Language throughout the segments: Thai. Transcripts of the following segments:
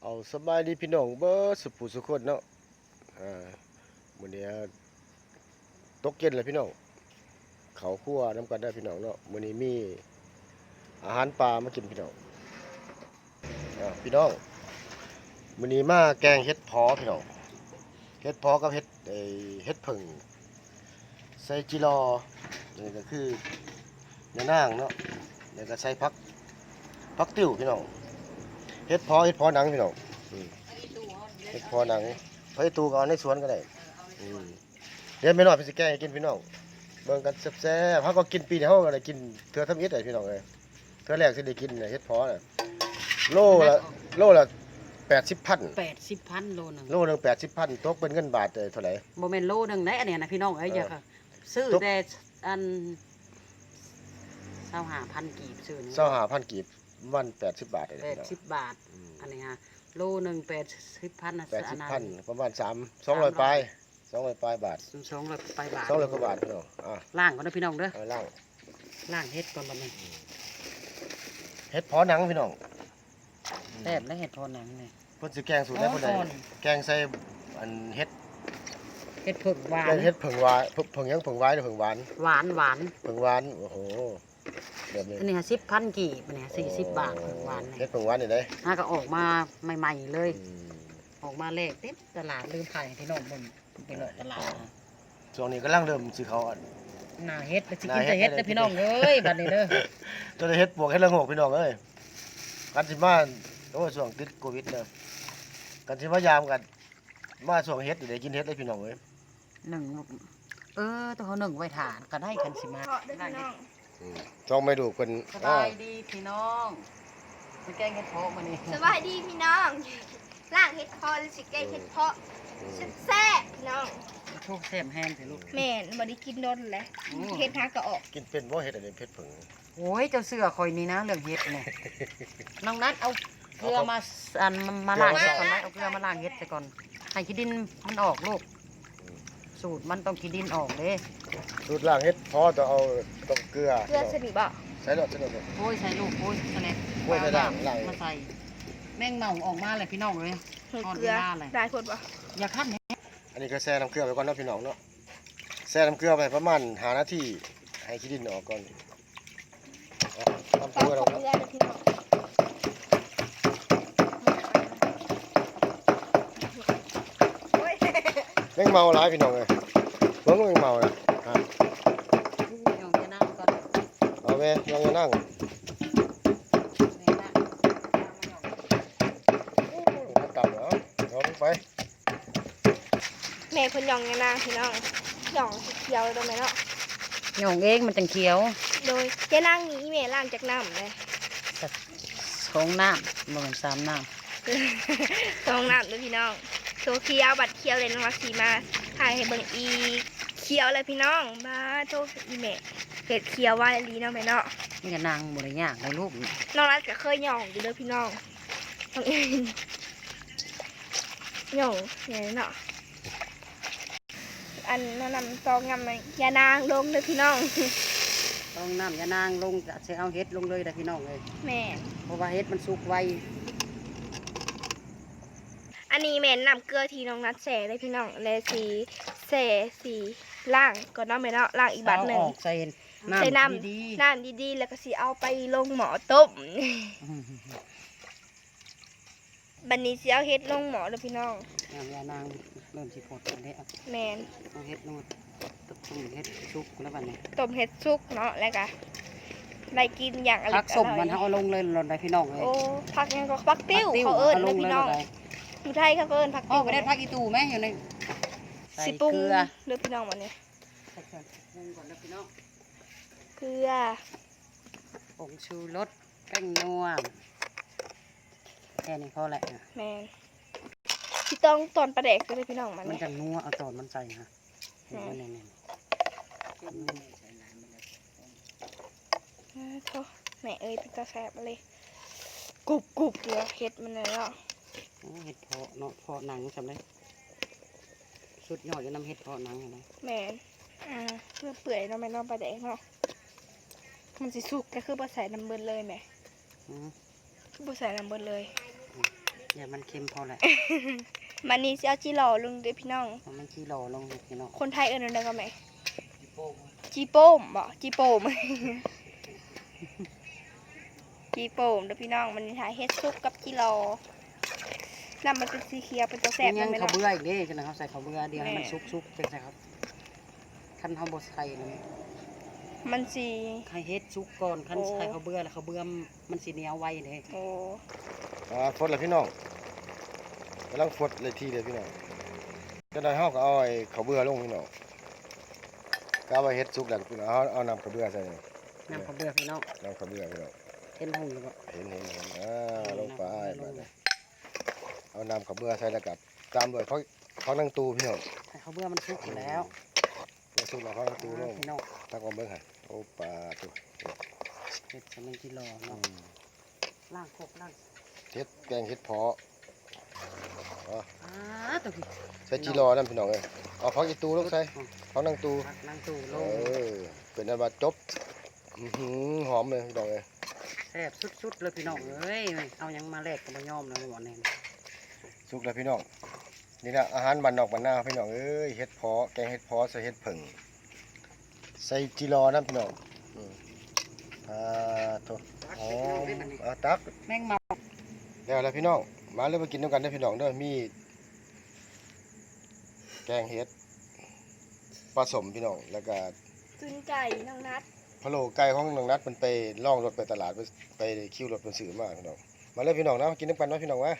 เอาสบายดีพี่น้องเบิดสุผู้สุคนเนาะมื้อนี้ตกเย็นแล้วพี่น้องเขาวคั่วน้ำกันได้พี่น้องเนาะมื้อนี้มีอาหารปลามากินพี่น้องพี่น้องมื้อนี้มาแกงเห็ดเพาะพี่น้องเห็ดเพาะกับเห็ดผึ่งใส่จิรอนี่ก็คือเนื้อนางเนาะแล้วก็ใส่ผักติ้วพี่น้องเห็ดเพาะหนังพี่น้องเห็ดเพาะหนังเฮ้ยตูก็เอาในสวนก็ได้เดี๋ยวไม่น้อยพี่สิแกงให้กินพี่น้องเบิ่งกันแซ่บๆเฮาก็กินปีนี้เฮาก็ได้กินเทื่อทำอิฐได้พี่น้องเอ้ยเทื่อแรกสิได้กินน่ะเห็ดเพาะน่ะโลละ 80,000โลนึงโลนึง80,000ตกเป็นเงินบาทเท่าไหร่บ่แม่นโลนึงได้อันเนี้ยนะพี่น้องเอ้ยอย่าค่ะซื้อแต่อัน25,000กีบซื้อนี่ 25,000กีบวัน80บาทได้พี่น้อง 80 บาทอันนี้ฮะโลนึง80,000น่ะ 80,000ประมาณ200ปลาย200ปลายบาท 200ปลายบาท 200กว่าบาทพี่น้องล้างก่อนนะพี่น้องเด้อล้างเฮ็ดก่อนบัดนี้เห็ดเพาะหนังพี่น้องแซ่บและเฮ็ดทอดหนังนี่เพิ่นสิแกงสูตรได้เพิ่นได้แกงใส่อันเห็ดผึ่งหวานเห็ดผึ่งหวานผึ่งยังผึ่งหวานหรือผึ่งหวานหวานผึ่งหวานโอ้โหแบบนี้อันนี้10,000กีบอันนี้40 บาทผึ่งหวานนี่เห็ดผึ่งหวานนี่ได้ก็ออกมาใหม่ๆเลยออกมาแรกเต็มตลาดลืมถ่ายพี่น้องเบิ่งไปเลาะตลาดช่วงนี้กำลังเริ่มสิเขาหน้าเฮ็ดไปสิกินแต่เฮ็ดเด้อพี่น้องเอ้ยบัดนี้เด้อตัวเฮ็ดปวกเฮ็ดละโงกพี่น้องเอ้ยกันสิมาโอ้ช่วงติดโควิดเด้อกันสิมายามกันมาช่วงเฮ็ดได้กินเฮ็ดได้พี่น้องเอ้ยตัวเขา1ไว้ทานก็ได้คันสิมาได้เฮ็ดช่องไม่ดูเพิ่นสบายดีพี่น้องไปแกงเฮ็ดเพาะมื้อนี้สบายดีพี่น้องล่างเฮ็ดเพาะหรือสิแกงเฮ็ดเพาะแซ่บพี่น้องโชคแซ่บแห้งสิลูกแม่นบ่ได้กินโดนแล้วเฮ็ดหาก็ออกกินเป็นบ่เฮ็ดอันนี้เผ็ดผึ่งโอ้ยเจ้าเสือข่อยนี่นะเรื่องเฮ็ดนี่น้องนัดเอาเกลือมาล้างเฮ็ดก่อนเอาเกลือมาล้างเฮ็ดซะก่อนให้ขี้ดินมันออกลูกสูตรมันต้องขี้ดินออกเด้สูตรล้างเฮ็ดพอต้องเอาต้องเกลือสนิทบ่ใส่ดอกโอ้ยใส่ลูกโอ้ยแสลบโอ้ยใส่ด่างมาใส่แม่งเมาออกมาเลยพี่น้องเลยเกลือได้ผลบ่อย่าคั่นอันนี้ก็แช่น้ำเกลือไปก่อนเนาะพี่น้องเนาะแช่น้ำเกลือไปประมาณ5นาทีให้ขี้ดินออกก่อนทำเกลือเราแม่งเมาหลายพี่น้องเลยเบิ่งแม่งเมาเลยยองจะนั่งก่อนเอาแม่ยองจะนั่งตับเหรอเอาลงไปแม่เพิ่นยองยังนางพี่น้องยองเขียวโดนไหมเนาะยองเองมันจังเขียวโดยเจ๊นางนี้แม่ล้างจากน้ำเลย 2 น้ำบ่แม่น3 น้ำ2 น้ำด้วยพี่น้องโซเขียวบัดเขียวเลยน้องรักสีมาถ่ายให้เบิ่งอีเขียวเลยพี่น้องบ้าโตอีแม่เห็ดเขียวว่าลีเนาะแม่เนาะนี่ก็นางบ่ได้ยากเลยลูกน้องรักก็เคยย่องอยู่เด้อพี่น้องย่องเนี่ยเนาะอันนั้นนำซองงำยานางลงเลยพี่น้องต้องน้ำยานางลงจะเอาเฮ็ดลงเลยนะพี่น้องเลยแม่เพราะว่าเฮ็ดมันสุกไวอันนี้แม่นำเกลือที่น้องนัดแส่เลยพี่น้องเลยสีล่างก่อนเนาะแม่เนาะล่างอีกบาทหนึ่งใส่น้ำดีๆแล้วก็สีเอาไปลงหม้อต้มบันนี้สีเอาเฮ็ดลงหม้อเลยพี่น้องยานางเริ่มสิพดกันแล้วแม่นเอาเฮ็ดนวดต้มเฮ็ดสุกแล้วบัดนี้ต้มเฮ็ดสุกเนาะแล้วก็ได้กินอย่างอร่อยผักสมมันเอาลงเลยหล่นได้พี่น้องเลยโอ้ผักยังก็ผักติ้วเขาเอิ้นเลยพี่น้องอยู่ไทยเขาเอิ้นผักติ้วไม่ได้ผักอีตูไหมอยู่ในสิปรุงเลือพี่น้องวันนี้ปรุงก่อนนะพี่น้องเกลือผงชูรสแป้งนัวแค่นี้พอแหละแม่พี่ต้องตอนปลาแดกเลยพี่น้องมันจะนัวเอาตอนมันใส่ฮะเห็นไหมเนี่ยแม่เอ้ยเป็นตาแสบมาเลยกรุบเลยเห็ดมันเลยเนาะเห็ดเพาะเนาะเพาะหนังจำได้สุดยอดจะนำเห็ดเพาะหนังอะไรแม่เพื่อเปื่อยเนาะแม่เนาะปลาแดกเนาะมันสิสุกก็คือปลาใส่น้ำเบิร์เลยแม่คือปลาใส่น้ำเบิร์เลยอย่ามันเค็มพอแหละมันนี่สิเอาจิหล่อลงเด้อพี่น้องมันขี้หล่อลงพี่น้องคนไทยเอิ้นว่าได้ก็แม่จิโป้งจีโป้มบ่จีโป้ม จีโป้มเด้อพี่น้องมันนี่ถ่ายเฮ็ดซุปกับจิหล่อน้ำมันเป็นสีเขียวเป็นตัวแซ่บยังแม่ข้าวเนาะเบื่ออีกเด้จังได๋เขาใส่ข้าวเบื่อเดียวให้มันแม่สุกๆจังได๋ครับคันเฮาบ่ใส่นั่นมันสีไข่เฮ็ดสุกก่อนคันโอ้ใส่ข้าวเบื่อแล้วข้าวเบื่อมันสิเหนียวไวเด้โอ้ฟดเลยพี่น้องกำลังฟดเลยทีเดียวพี่น้องก็ได้เฮาก็เอาไอ้ข้าวเบื่อลงพี่น้องก็เอาไว้เฮ็ดสุกแล้วพี่น้องเอาน้ำข้าวเบื่อใส่นี่น้ำข้าวเบื่อพี่น้องน้ำข้าวเบื่อพี่น้องเห็นหุ่งอยู่บ่เห็นลงไปบัดนี้เอาน้ำข้าวเบื่อใส่แล้วกับตามด้วยผักนางตูพี่น้องให้ข้าวเบื่อมันสุกอยู่แล้วเดี๋ยวสุกแล้วผักนางตูลงพี่น้องตักมาเบิ่งหั่นโอ้ปลาตัวเฮ็ดให้มันกิโลเนาะล้างครกล้างเฮ็ดแกงเฮ็ดเพาะอ๋อตัวพี่ใส่จีรอนั่นพี่น้องเอ้ยเอาผักอีตูลงใส่ผักนางตูผักนางตู่ลเอง เป็นอันว่าจบอื้อหือหอมเลยพี่น้องเอ้ยแซ่บสุดๆเลยพี่น้องเอ้ยเอาหยังมาแลกก็บ่ยอมนะบ่แน่สุกแล้วพี่น้องนี่นะอาหารบ้านนอกบ้านนาพี่น้องเอ้ยเฮ็ดเพาะแกงเฮ็ดเพาะใส่เฮ็ดผึ่งใส่จีรอนั่นพี่น้องอืมโทษอ๋อตักแมงเมาแล้วพี่น้องมาเลยมากินด้วยกันได้อพี่น้องเด้อมีแกงเฮ็ดผสมพี่น้องแล้วก็จุนไก่น้องนัดพะโล้ไก่ของน้องนัดมันไปล่องรถไปตลาดไปคิวรถมันซื้อมาพี่น้องมาเลยพี่น้องนะมากินด้วยกันเนาะพี่น้องวะ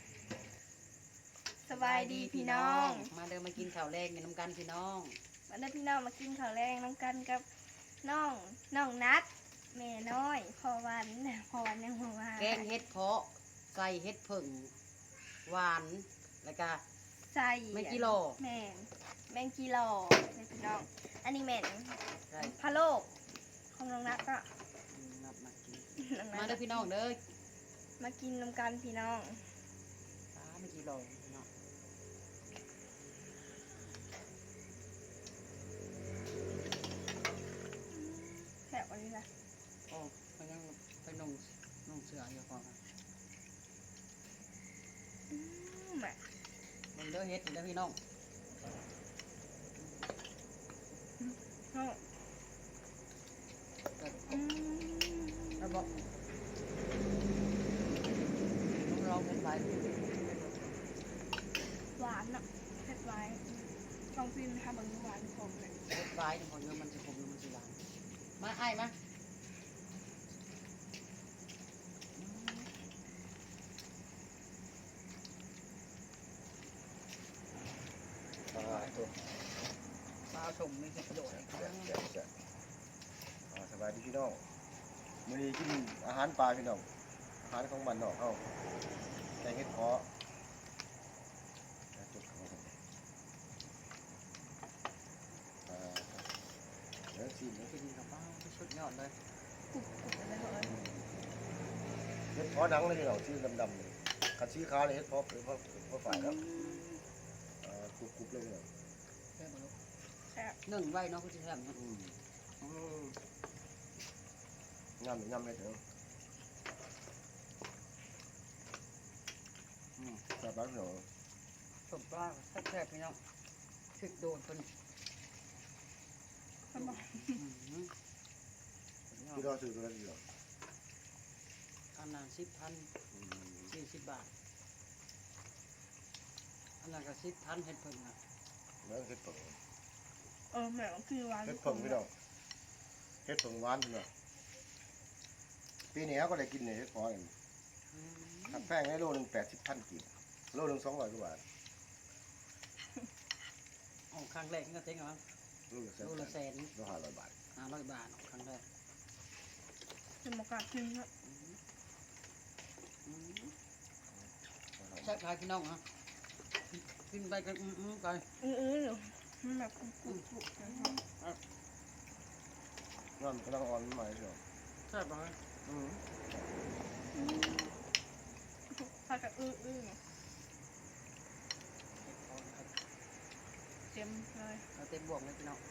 สบายดีพี่น้องมาเดินมากินข้าวแรงกันน้ำกันพี่น้องมาเด้อพี่น้องมากินข้าวแรงน้องกันกับน้องนัดแม่น้อยพ่อวันยังบ่ว่าแกงเฮ็ดเพาะใส่เฮ็ดผึ่งหวานแล้วก็ใส่แมงกิโลแมงกิโลเลยพี่น้อง อันนี้แม่นใส่พะโลกของน้องนัดก็นับมากินน้องมานัดเด้อพี่น้องเด้อมากินน้ำกันพี่น้องไม่กี่โลพี่น้องแซ่บอันนี้นะโอ้ไปยังไปนุ่งเสื้ออยู่ก่อนแม่มันเด้อเฮ็ดเด้อพี่น้องน้องแล้วบอกลองเฮ็ดไปหวานอ่ะเผ็ดไว้ลองซิมนะคะบางหวานขมเลยเฮ็ดไปผลเงินมันจะคมมันจะหวานมาไอ้มาตัวปลาชมมีประโยชน์สบายดีพี่น้องมื้อนี้กินอาหารปลาพี่น้องอาหารของบ้านนอกเฮาแกงเฮ็ดเพาะจุดเข้าไปเดี๋ยวสิกินกับปลาสุดยอดเลยกรุบเลยเหรอเฮ็ดเพาะดังเลยพี่น้องชื่อดำๆเลยคันสีขาวนี่เฮ็ดเพาะฝ่ายแล้วกรุบๆเลยพี่น้องแซ่บบ่ลูกแซ่บนึ่งไว้เนาะคุณจะแซ่บเนาะยำเลยเถอะจับบ้านพี่น้องสมปลาแซ่บๆพี่น้องถึกโดนตัวนี้มันบอกพี่น้องซื้อตัวนั้นพี่น้องอันนั้น10,000 40 บาทอันนั้นก็10,000เฮ็ดเพิ่งนะแล้วเฮ็ดผงแม่คือหวานเฮ็ดผงพี่น้องเฮ็ดผงหวานพี่น้องปีนี้เขาก็ได้กินเนี่ยเฮ็ดเพาะนี่ทำแป้งให้โลนึง80,000กิโลนึง200กว่าบาทอ๋อครั้งแรกนี่ก็เจ๊งแล้วมั้งโลละแสนโลละแสนโล500 บาท 500 บาทครั้งแรกจะมากราบกินนะใช่พายพี่น้องฮะกินไปกันไปมันแบบกรุบนะครับนั่นกำลังอ่อนใหม่พี่น้องใช่ปะถ้าจะเต็มเลยเอาเต็มบวกเลยพี่น้อง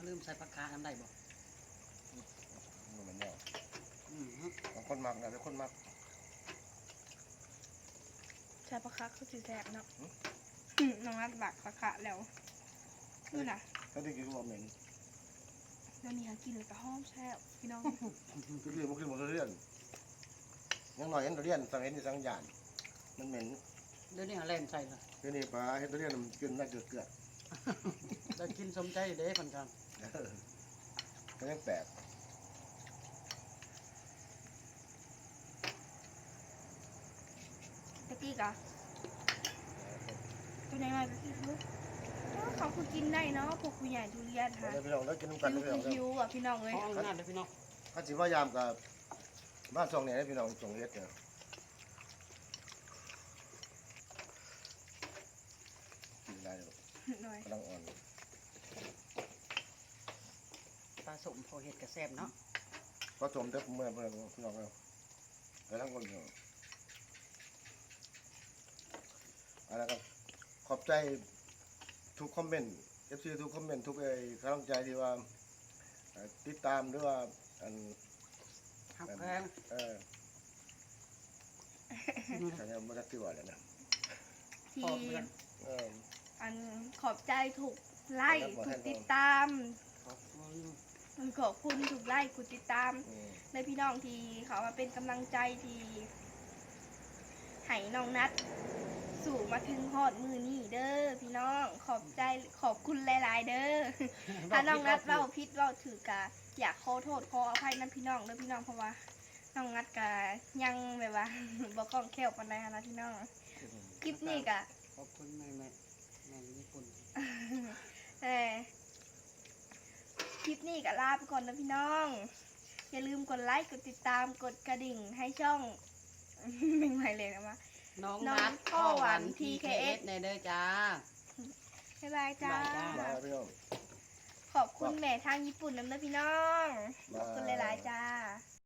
ลืมใส่ปากกาทำได้บ่มันเหมือนแนวอืมบางคนมักนะบางคนมักใช่ปะคะคือสิแซ่บเนาะน้องนัดบักปะคะแล้วนู่นน่ะถ้าได้กินก็เหม็นเดี๋ยวนี้หากินเลยก็หอมแซ่บพี่น้องก็คือมันคือมันเรียนยังหน่อยเห็นตัวเรียนสังเห็นที่สังหยานมันเหม็นเดี๋ยวนี้หาแล่นใส่ละเดี๋ยวนี้ปลาเห็นตัวเรียนมันกินน่าเกลือจะกินสมใจเด้เพิ่นกันก็ยังแปลกตะกี้กะตัวน้อยๆก็คิดว่าเขาคือกินได้เนาะพวกผู้ใหญ่ทุเรียนเอาค่ะเลยพี่น้องแล้วกินน้ำกันคิวเลยพี่น้องคิวอ่ะพี่น้องเลยห้องงานเด้อพี่น้องข้าจิว่ายามกับบ้านซองเนี่ยพี่น้องส่งเฮ็ดเนี่ยกินได้เลยหน่อยกำลังอ่อนปลาสมพอเฮ็ดก็แซ่บเนาะก็ชมเด็กเมื่อพี่น้องเราไปทั้งคนเดียวอะไรครับขอบใจทุกคอมเมนต์FC ทุกคอมเมนต์ทุกกำลังใจที่ว่าติดตามหรือว่าอันหักแพงฉันยังไม่ได้ติดว่าเลยนะที่ขอบคุณอันขอบใจถูกไล่ถูกติดตามขอบคุณขอบคุณถูกไล่ถูกติดตามในพี่น้องที่เขามาเป็นกำลังใจที่ให้น้องนัดสู่มาถึงฮอดมือนี่เด้อพี่น้องขอบใจขอบคุณหลายๆเด้อ ถ้าน้องนัดเล่าพิษเล่าถือกะอยากขอโทษขออภัยนั่นพี่น้องเด้อพี่น้องเพราะว่าน้องนัดกะยังแบบว่า บ่คล่องแคล่วปานใดหั้นนะพี่น้องคลิปนี้กะขอบคุณแม่ญี่ปุ่นแต่คลิปนี้กะลาไปก่อนนะพี่น้องอย่าลืมกดไลค์กดติดตามกดกระดิ่งให้ช่อง ไม่ไหวเลยนะวะน้องน้องนัดพ่อหวาน TKS TKS ในเด้อจ้าบ๊ายบายจ้าบ๊ายบายจ้ามาพี่น้องขอบคุณแม่ทางญี่ปุ่นน้ำนะพี่น้อง ขอบคุณหลายๆจ้า